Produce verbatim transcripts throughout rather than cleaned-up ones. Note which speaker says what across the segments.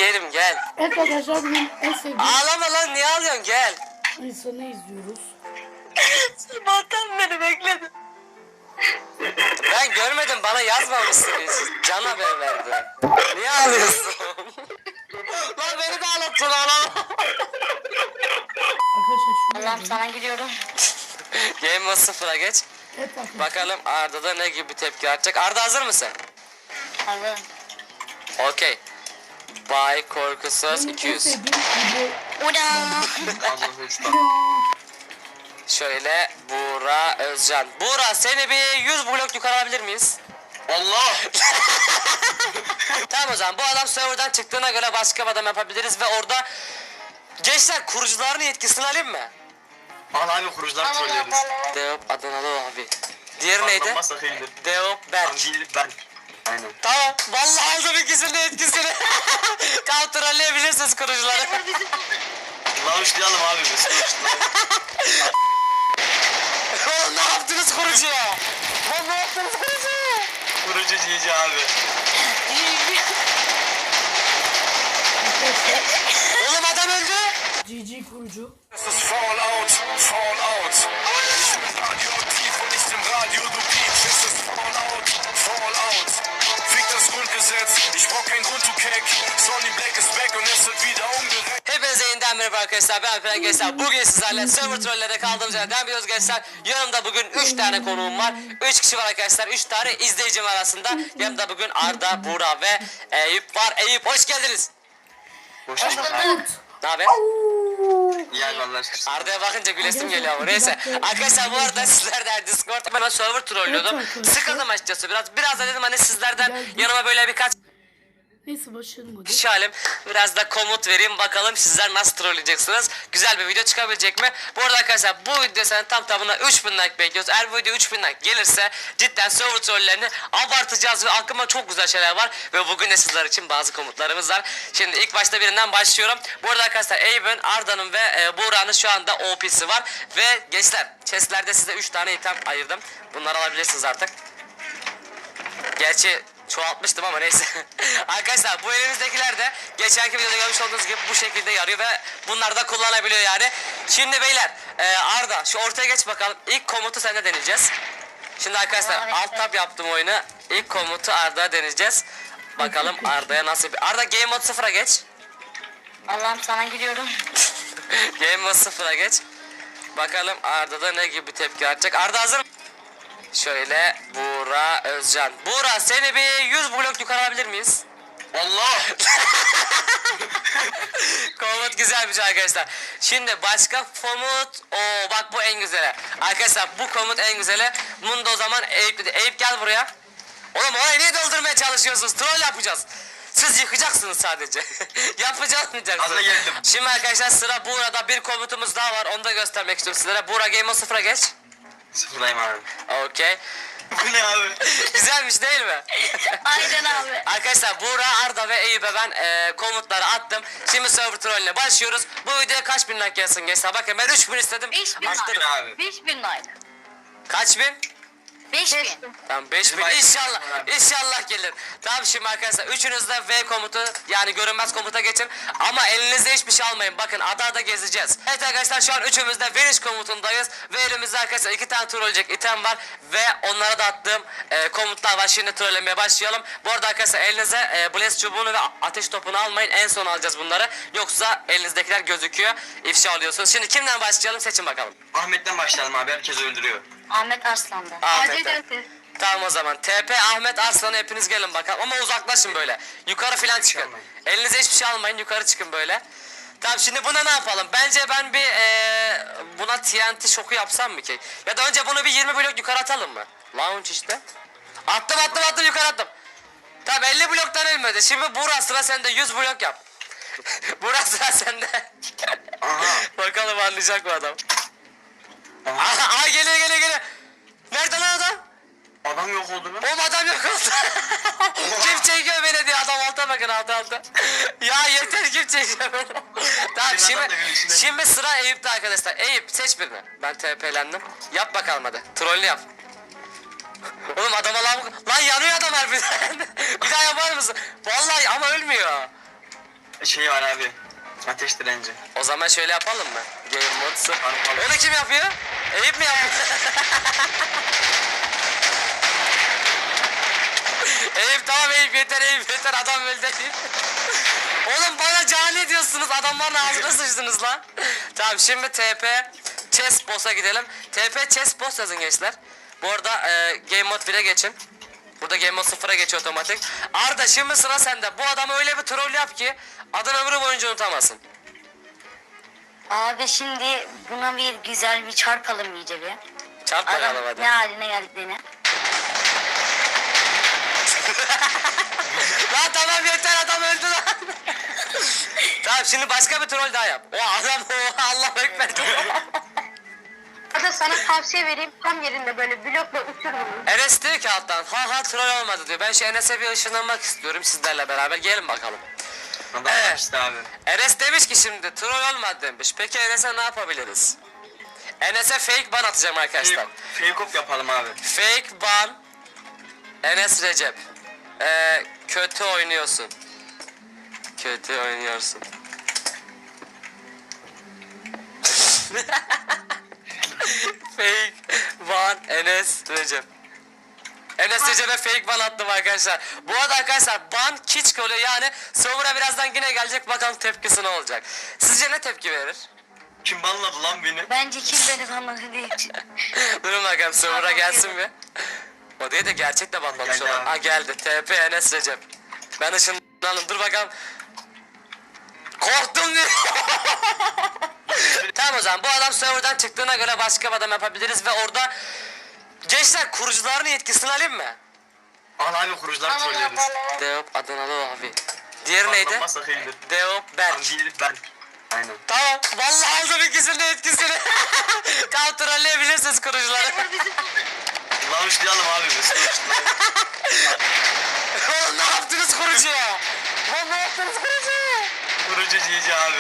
Speaker 1: yerim gel.
Speaker 2: Evet arkadaşlar bugün en sevdiğim
Speaker 1: Ağlama lan, niye ağlıyorsun, gel.
Speaker 2: insanı izliyoruz.
Speaker 1: Sabahtan beri bekledim. Ben görmedim, bana yazmamışsınız. Can haber verdi. Niye ağlıyorsun? Lan beni de ağlattın ağlama.
Speaker 2: Arkadaşlar şunu
Speaker 3: Allah'ım
Speaker 2: yapalım.
Speaker 3: sana gidiyorum.
Speaker 1: Game mode sıfıra geç.
Speaker 2: Evet arkadaşlar.
Speaker 1: Bakalım Arda da ne gibi tepki verecek. Arda hazır mısın?
Speaker 3: Hazırım.
Speaker 1: Okey. Bay Korkusuz
Speaker 2: Benim
Speaker 1: iki
Speaker 2: en
Speaker 1: yüz.
Speaker 2: sevdiğim video.
Speaker 3: Uda.
Speaker 1: Şöyle Buğra Özcan. Buğra, seni bir yüz blok yukarı alabilir miyiz?
Speaker 4: Allah!
Speaker 1: Tamam, o zaman bu adam serverdan çıktığına göre başka bir adam yapabiliriz ve orada gençler kurucuların yetkisini alayım mı?
Speaker 4: Al abi, kurucular trollüyoruz.
Speaker 1: Deop Adanalı abi. Diğeri neydi?
Speaker 4: Anlamazsak iyidir.
Speaker 1: Deop Berk.
Speaker 4: Angil ben. Aynen.
Speaker 1: Tamam, vallahi aldım ikisinin de etkisini. Kontrolleyebilirsiniz kurucuları.
Speaker 4: Launchlayalım abi biz.
Speaker 1: Oğlum ne yaptınız kurucuya? Lan ne yaptınız kurucuya?
Speaker 4: Kurucu Cici abi.
Speaker 1: Oğlum adam öldü.
Speaker 2: G G kurucu.
Speaker 5: Es ist Fallout, Fallout. Ich bin radioaktiv und nicht im Radio, du Piepst. Es ist Fallout, Fallout. Fick das Grundgesetz, ich brauch kein Grund, du Keck. Sonny Black ist back und es wird wieder umgerechnet.
Speaker 1: Hepinize yeniden merhaba arkadaşlar, ben Alperen Gençler. Bugün sizlerle server trollerde kaldığımız yerden biliyoruz gençler. Yanımda bugün üç tane konuğum var. üç kişi var arkadaşlar, üç tane izleyicim arasında. Yanımda bugün Arda, Buğra ve Eyüp var. Eyüp, hoş geldiniz.
Speaker 4: Hoş bulduk abi.
Speaker 1: Ne haber?
Speaker 4: İyi abi Allah aşkına.
Speaker 1: Arda'ya bakınca gülesim geliyor ama neyse. Arkadaşlar bu arada sizlerden Discord, ben server trollüyordum.
Speaker 2: Evet arkadaşlar.
Speaker 1: Sıkıldım açıkçası biraz. Biraz da dedim hani sizlerden yanıma böyle birkaç
Speaker 2: Neyse başlayalım hadi.
Speaker 1: kişi halim. Biraz da komut vereyim, bakalım sizler nasıl trolleyeceksiniz. Güzel bir video çıkabilecek mi? Bu arada arkadaşlar bu video sana tam tamına üç bin like bekliyoruz. Eğer bu video üç bin like gelirse cidden server trollerini abartacağız ve aklıma çok güzel şeyler var. Ve bugün de sizler için bazı komutlarımız var. Şimdi ilk başta birinden başlıyorum. Bu arada arkadaşlar Eyüp'ün, Arda'nın ve e, Buğra'nın şu anda O P'si var. Ve gençler chestlerde size üç tane item ayırdım. Bunları alabilirsiniz artık. Gerçi çoğaltmıştım ama neyse. Arkadaşlar bu elimizdekiler de geçenki videoda görmüş olduğunuz gibi bu şekilde yarıyor ve bunları da kullanabiliyor yani. Şimdi beyler e, Arda şu ortaya geç bakalım. İlk komutu sende deneyeceğiz. Şimdi arkadaşlar
Speaker 3: Tamam,
Speaker 1: alt tab yaptım oyunu. İlk komutu Arda'ya deneyeceğiz. Bakalım Arda'ya nasıl bir... Arda game mode sıfıra geç.
Speaker 3: Allah'ım sana gidiyorum.
Speaker 1: Game mode sıfıra geç. Bakalım Arda'da ne gibi tepki verecek. Arda hazır mı? Şöyle Buğra Özcan. Buğra, seni bir yüz blok yukarı alabilir miyiz?
Speaker 4: Allah!
Speaker 1: Komut güzelmiş arkadaşlar. Şimdi başka komut. Oo bak, bu en güzeli. Arkadaşlar bu komut en güzeli. Bunu da o zaman Eyüp dedi. Eyüp gel buraya. Oğlum orayı niye doldurmaya çalışıyorsunuz? Troll yapacağız. Siz yıkacaksınız sadece. Yapacakmayacaksınız.
Speaker 4: Aslında geldim.
Speaker 1: Şimdi arkadaşlar sıra Buğra'da, bir komutumuz daha var. Onu da göstermek istiyorum sizlere. Buğra game mode sıfıra geç.
Speaker 4: Sıfırlayayım abi.
Speaker 1: Okey.
Speaker 4: Bu ne abi?
Speaker 1: Güzelmiş değil mi?
Speaker 3: Aynen abi.
Speaker 1: Arkadaşlar Buğra, Arda ve Eyüp'e ben e, komutları attım. Şimdi server trolüne başlıyoruz. Bu videoya kaç bin like gelsin gençler? Bakın ben üç bin istedim.
Speaker 3: beş bin
Speaker 1: Arttırın.
Speaker 3: like.
Speaker 4: abi.
Speaker 3: beş bin like.
Speaker 1: Kaç bin?
Speaker 3: beş bin.
Speaker 1: Tamam beş bin
Speaker 4: Bizim
Speaker 1: inşallah.
Speaker 4: abi.
Speaker 1: İnşallah gelir. Tamam şimdi arkadaşlar üçünüz de V komutu, yani görünmez komuta geçin. Ama elinizde hiçbir şey almayın. Bakın ada ada gezeceğiz. Evet arkadaşlar şu an üçümüz de Vanish komutundayız. Ve elimizde arkadaşlar iki tane trolleyecek item var. Ve onlara da attığım e, komutlar var. Şimdi trollemeye başlayalım. Bu arada arkadaşlar elinize e, Blaze çubuğunu ve ateş topunu almayın. En son alacağız bunları. Yoksa elinizdekiler gözüküyor. İfşa alıyorsunuz. Şimdi kimden başlayalım, seçin bakalım.
Speaker 4: Ahmet'ten başlayalım abi, herkes öldürüyor.
Speaker 3: Ahmet Arslan'da.
Speaker 1: Ahmet'ten. Tamam o zaman. T P Ahmet Arslan'a hepiniz gelin bakalım. Ama uzaklaşın böyle. Yukarı falan çıkın.
Speaker 4: almayın.
Speaker 1: Elinize hiçbir şey almayın. Yukarı çıkın böyle. Tamam şimdi buna ne yapalım? Bence ben bir ee, buna T N T şoku yapsam mı ki? Ya da önce bunu bir yirmi blok yukarı atalım mı? Launch işte. Attım attım attım yukarı attım. Tamam elli bloktan ölmedi. Şimdi Buğra sıra sende, yüz blok yap. Buğra sıra sende.
Speaker 4: Aha.
Speaker 1: Bakalım anlayacak mı adam?
Speaker 4: Aha.
Speaker 1: Aha, aha geliyor geliyor geliyor. Nerede lan adam?
Speaker 4: Adam yok oldu mu?
Speaker 1: Oğlum adam yok oldu. Kim çekiyor beni diye, adam alta bakın, alta alta. Ya yeter, kim çekiyor beni. Tamam
Speaker 4: Senin adam da
Speaker 1: şimdi,
Speaker 4: gülüşüne-
Speaker 1: şimdi sıra Eyüp'te arkadaşlar. Eyüp seç birini. Ben T P'lendim. Yap bakalım hadi. Trollü yap. Oğlum adama lan, lan yanıyor adam harbiden. Bir daha yapar mısın? Vallahi ama ölmüyor.
Speaker 4: şey var abi. Ateş direnci.
Speaker 1: O zaman şöyle yapalım mı? Game mode'su.
Speaker 4: Yapalım.
Speaker 1: Onu kim yapıyor? Eyüp mi yapıyor? Eyüp tamam Eyüp yeter Eyüp yeter adam öldü değil. Oğlum bana cani diyorsunuz adamların ağzına sıçtınız lan. Tamam şimdi T P Chess Boss'a gidelim. T P Chess Boss yazın gençler. Bu arada e, Game Mode bire geçin. Burada Game Mode sıfıra geçiyor otomatik. Arda şimdi sıra sende. Bu adamı öyle bir troll yap ki adını ömrü boyunca unutamazsın.
Speaker 3: Abi şimdi buna bir güzel bir çarpalım iyice bir.
Speaker 1: Çarp
Speaker 3: Adam
Speaker 1: bakalım hadi.
Speaker 3: ne haline geldiklerini.
Speaker 1: Lan tamam yeter adam öldü lan. Tamam şimdi başka bir troll daha yap. O adam o Allah ekber.
Speaker 6: Hadi sana tavsiye vereyim. Tam yerinde böyle blokla uçur bunu.
Speaker 1: Enes diyor ki alttan ha ha troll olmadı diyor. Ben şu Enes'e bir ışınlanmak istiyorum sizlerle beraber gelin bakalım.
Speaker 4: Adam
Speaker 1: Evet.
Speaker 4: işte abi.
Speaker 1: Enes demiş ki şimdi troll olmadı demiş. Peki Enes'e ne yapabiliriz? Enes'e fake ban atacağım arkadaşlar.
Speaker 4: Fake, fake up yapalım abi.
Speaker 1: Fake ban Enes Recep. Ee, kötü oynuyorsun. Kötü oynuyorsun. Fake ban Enes Recep. Enes Recep'e fake ban attım arkadaşlar. Bu arada arkadaşlar ban kiç oluyor yani server'a birazdan yine gelecek bakalım tepkisi ne olacak. Sizce ne tepki verir?
Speaker 4: Kim banladı lan beni?
Speaker 3: Bence kim beni tanıdı değil.
Speaker 1: Durun bakalım server'a gelsin mi? O değil de gerçek de banlamış
Speaker 4: Geldi
Speaker 1: olan.
Speaker 4: abi.
Speaker 1: Ha geldi. T P Enes Recep. Ben ışınlandım. Dur bakalım. Korktum diyor. Tamam o zaman bu adam server'dan çıktığına göre başka bir adam yapabiliriz ve orada gençler kurucuların yetkisini alayım mı?
Speaker 4: Al abi kurucular trolleriz.
Speaker 1: Deop Adanalı abi. Diğeri neydi?
Speaker 4: Banlanmazsak iyidir.
Speaker 1: Deop Berk.
Speaker 4: Tam değil ben. Aynen.
Speaker 1: Tamam. Vallahi aldım ikisinin de etkisini. Tamam trolleyebilirsiniz kurucuları.
Speaker 4: Launchlayalım abi biz.
Speaker 1: Oğlum ne yaptınız kurucuya? Oğlum ne yaptınız kurucuya?
Speaker 4: Kurucu Cici abi.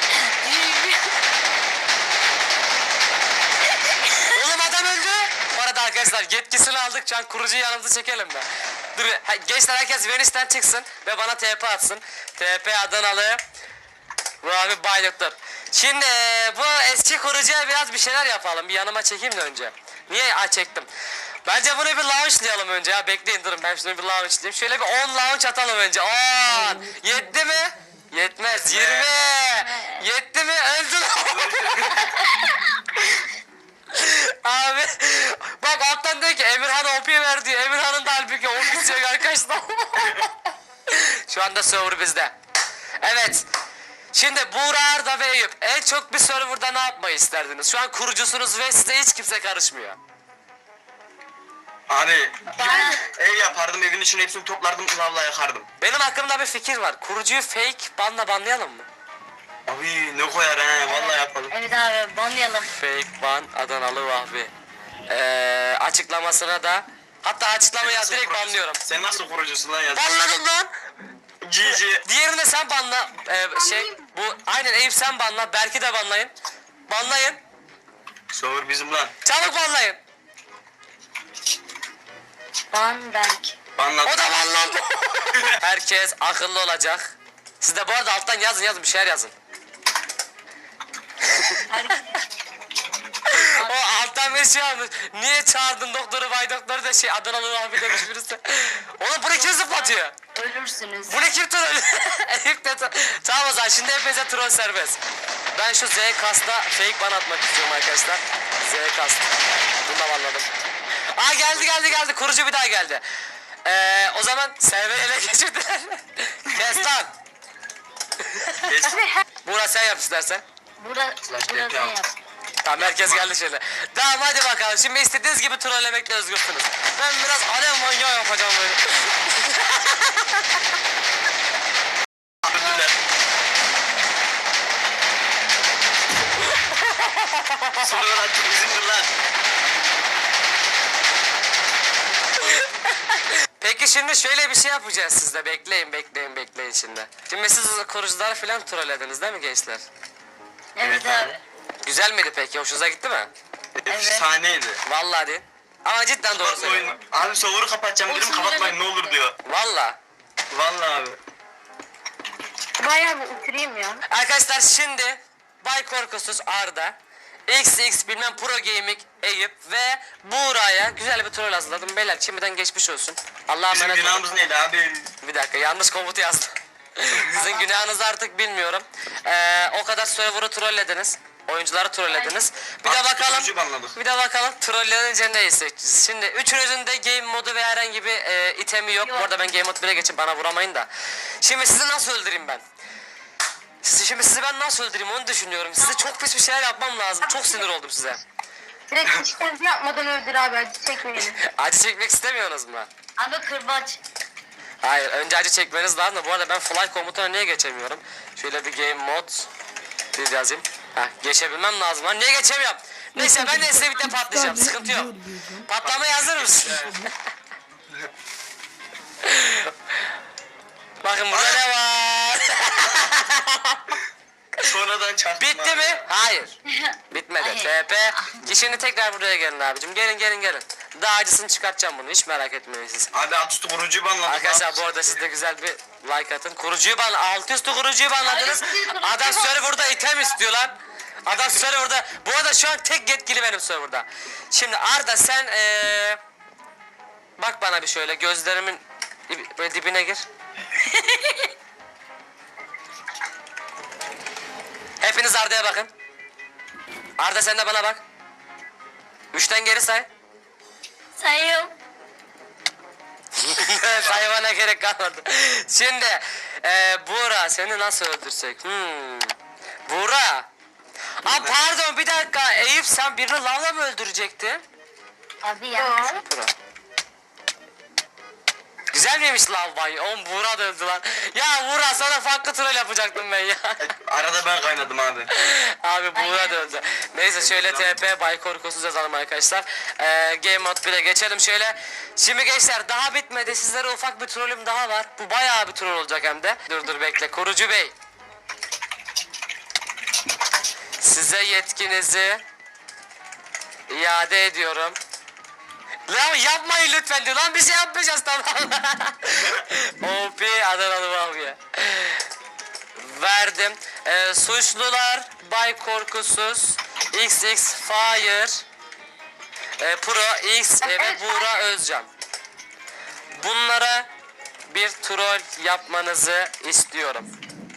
Speaker 1: Oğlum adam öldü. Bu arada arkadaşlar yetkisini aldık. Şu an kurucuyu yanımıza çekelim mi? Dur ha, gençler herkes Venüs'ten çıksın ve bana T P atsın. T P Adanalı. Bu abi Bay Doktor. Şimdi e, bu eski kurucuya biraz bir şeyler yapalım. Bir yanıma çekeyim de önce. Niye? Aa çektim. Bence bunu bir launchlayalım önce ya. Bekleyin durun ben şunu bir launchlayayım. Şöyle bir on launch atalım önce. on. Yetti mi? Yetmez. yirmi. Yetti mi? Öldü lan. Abi bak alttan diyor ki Emirhan O P ver diyor. Emirhan'ın da halbuki O P'si yok arkadaşlar. Şu anda server bizde. Evet. Şimdi Buğra Arda ve Eyüp en çok bir serverda ne yapmayı isterdiniz? Şu an kurucusunuz ve size hiç kimse karışmıyor.
Speaker 4: Abi bir ev yapardım evin içine hepsini toplardım lavla yakardım.
Speaker 1: Benim aklımda bir fikir var. Kurucuyu fake banla banlayalım mı?
Speaker 4: Abi ne koyar he vallahi yapalım.
Speaker 3: Evet abi banlayalım.
Speaker 1: Fake ban Adanalı Vahbi. Ee, açıklamasına da hatta açıklamayı
Speaker 4: Nasıl
Speaker 1: direkt
Speaker 4: kurucusun?
Speaker 1: banlıyorum.
Speaker 4: Sen nasıl kurucusun lan ya?
Speaker 1: Banladım lan.
Speaker 4: Cici.
Speaker 1: Diğerini de sen banla. Ee, şey bu aynen Eyüp sen banla. Berk'i de banlayın. Banlayın.
Speaker 4: Soğur bizim lan.
Speaker 1: Çabuk banlayın.
Speaker 3: Ban Berk.
Speaker 4: Banlat.
Speaker 1: O da banlandı. Herkes akıllı olacak. Siz de bu arada alttan yazın yazın bir şeyler yazın. O alttan bir şey almış. Niye çağırdın doktoru bay doktoru da şey Adanalı abi demiş birisi. Oğlum bunu kim zıplatıyor?
Speaker 3: Ölürsünüz.
Speaker 1: Bu ne kim troll? Eyüp de tro- Tamam o zaman şimdi hepinize troll serbest. Ben şu Z kasta fake ban atmak istiyorum arkadaşlar. Z kast. Bunu da banladım. Aa geldi geldi geldi. Kurucu bir daha geldi. Ee, o zaman server ele geçirdiler. Kes lan.
Speaker 4: Kes.
Speaker 1: Buğra sen yap istersen.
Speaker 3: Burada,
Speaker 4: Slash
Speaker 3: burada
Speaker 4: yapıyorum.
Speaker 3: sen yap.
Speaker 1: Tamam herkes geldi şöyle. Tamam hadi bakalım. Şimdi istediğiniz gibi trollemekle özgürsünüz. Ben biraz alev manyağı yapacağım böyle.
Speaker 4: Öldüler. Sorular artık bizimdir lan.
Speaker 1: Peki şimdi şöyle bir şey yapacağız sizde. Bekleyin bekleyin bekleyin şimdi. Şimdi siz kurucuları falan trollediniz değil mi gençler?
Speaker 3: Evet
Speaker 4: Evet
Speaker 3: abi.
Speaker 1: Güzel miydi peki? Hoşunuza gitti mi?
Speaker 4: Efsaneydi.
Speaker 1: Vallahi değil. Ama cidden doğru söylüyorum.
Speaker 4: Oyun. Abi soğuru kapatacağım dedim
Speaker 3: Olsun,
Speaker 4: kapatmayın ne
Speaker 3: bilemedim.
Speaker 4: olur diyor.
Speaker 1: Vallahi.
Speaker 4: Vallahi abi.
Speaker 6: bayağı bir uçurayım ya.
Speaker 1: Arkadaşlar şimdi Bay Korkusuz Arda, X X bilmem Pro Gaming Eyüp ve Buğra'ya güzel bir troll hazırladım. Beyler şimdiden geçmiş olsun. Allah'a
Speaker 4: Bizim
Speaker 1: emanet olun.
Speaker 4: günahımız neydi abi?
Speaker 1: Bir dakika yanlış komutu yazdım. Sizin günahınızı artık bilmiyorum. Ee, o kadar server'ı trollediniz. Oyuncuları trollediniz. Bir de
Speaker 4: Artık
Speaker 1: bakalım.
Speaker 4: kurucu banladık.
Speaker 1: Bir de bakalım trollenince ne hissedeceğiz. Şimdi üçünüzün de game modu ve herhangi bir e, itemi yok. Bu arada ben game mod bire geçip bana vuramayın da. Şimdi sizi nasıl öldüreyim ben? Sizi, şimdi sizi ben nasıl öldüreyim onu düşünüyorum. Size çok pis bir şeyler yapmam lazım. Çok sinir oldum size.
Speaker 6: Direkt işkence yapmadan öldür abi, acı çekmeyelim.
Speaker 1: Acı çekmek istemiyorsunuz mu?
Speaker 3: Abi kırbaç.
Speaker 1: Hayır, önce acı çekmeniz lazım da bu arada ben fly komutuna niye geçemiyorum? Şöyle bir game mod bir yazayım. Heh, geçebilmem lazım lan. Niye geçemiyorum? Neyse ben de size bir de patlayacağım. Sıkıntı yok. Patlamaya hazır mısın? Bakın burada ne var?
Speaker 4: Sonradan çarptım
Speaker 1: Bitti
Speaker 4: abi.
Speaker 1: mi? Hayır. Bitmedi.
Speaker 3: Hayır.
Speaker 1: T P. Şimdi tekrar buraya gelin abicim. Gelin gelin gelin. Daha acısını çıkartacağım bunu. Hiç merak etmeyin siz.
Speaker 4: Abi alt üstü kurucuyu banladık.
Speaker 1: Arkadaşlar bu arada siz de güzel bir like atın. Kurucuyu ban, alt üstü kurucuyu banladınız. Adam serverda item istiyor lan. Adam serverda. Bu arada şu an tek yetkili benim serverda. Şimdi Arda sen ee, bak bana bir şöyle gözlerimin dib- böyle dibine gir. Hepiniz Arda'ya bakın. Arda sen de bana bak. Üçten geri say.
Speaker 3: Sayıyorum.
Speaker 1: Saymana gerek kalmadı. Şimdi e, Buğra seni nasıl öldürsek? Hmm. Buğra. Aa pardon bir dakika. Eyüp sen birini lavla mı öldürecektin?
Speaker 3: Abi ya.
Speaker 1: Buğra. Güzel miymiş lav bay? Oğlum Buğra da öldü lan. Ya Buğra sana farklı troll yapacaktım ben ya.
Speaker 4: Arada ben kaynadım abi.
Speaker 1: Abi Buğra da öldü. Neyse şöyle T P Bay Korkusuz yazalım arkadaşlar. Ee, Game Mode bire geçelim şöyle. Şimdi gençler daha bitmedi. Sizlere ufak bir trollüm daha var. Bu bayağı bir troll olacak hem de. Dur dur bekle. Kurucu Bey. Size yetkinizi iade ediyorum. Lan yapmayın lütfen diyor. Lan bir şey yapmayacağız tamam. O P Adanalı abi. Verdim. Ee, suçlular Bay Korkusuz, X X Fire, e, Pro X e, ve Buğra Özcan. Bunlara bir troll yapmanızı istiyorum.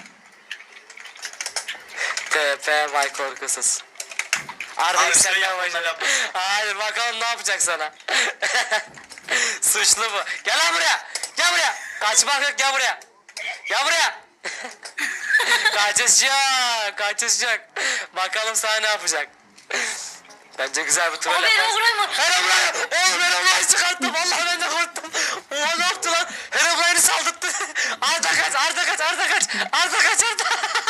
Speaker 1: T P Bay Korkusuz. Arda
Speaker 4: Abi sen
Speaker 1: sen
Speaker 4: yapma,
Speaker 1: başla.
Speaker 4: ben yapma.
Speaker 1: Hayır bakalım ne yapacak sana. Suçlu bu. Gel lan buraya. Gel buraya. Kaçmak yok gel buraya. Gel buraya. Kaçış yok. Kaçış yok. Bakalım sana ne yapacak. Bence güzel bir troll
Speaker 3: Abi
Speaker 1: yaparsın.
Speaker 3: Herobrine.
Speaker 1: Herobrine. Oğlum Herobrine'i çıkarttım. Vallahi ben de korktum. Oha ne yaptı lan? Herobrine'i saldırttı. Arda kaç. Arda kaç. Arda kaç. Arda kaç. Arda.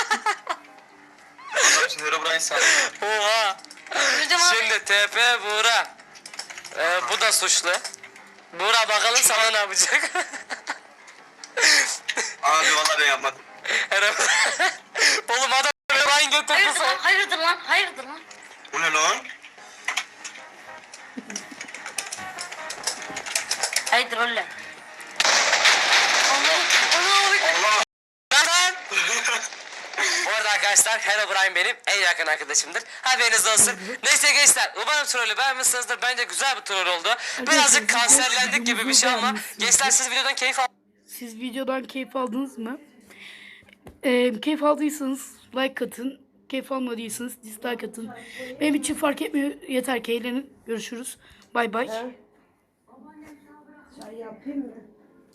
Speaker 4: Adam şimdi Herobrine sandı.
Speaker 1: Oha.
Speaker 3: Öldüm abi.
Speaker 1: Şimdi T P Buğra. Ee, bu da suçlu. Buğra bakalım sana ne yapacak.
Speaker 4: Abi vallahi ben yapmadım.
Speaker 1: Herobrine. Oğlum adam Herobrine götürdü
Speaker 3: Hayırdır lan?
Speaker 1: sen.
Speaker 3: Hayırdır lan? Hayırdır lan?
Speaker 4: Bu ne lan?
Speaker 3: Hayırdır oğlum? Allah Allah.
Speaker 4: Allah.
Speaker 1: Lan! Bu arada arkadaşlar Herobrine benim en yakın arkadaşımdır. Haberiniz olsun. Neyse gençler umarım trollü beğenmişsinizdir. Bence güzel bir troll oldu. Birazcık kanserlendik gibi bir şey ama gençler siz videodan keyif aldınız.
Speaker 2: Siz videodan keyif aldınız mı? Ee, keyif aldıysanız like atın. Keyif almadıysanız dislike atın. Benim için fark etmiyor. Yeter ki eğlenin. Görüşürüz. Bay bay.
Speaker 7: Çay yapayım mı?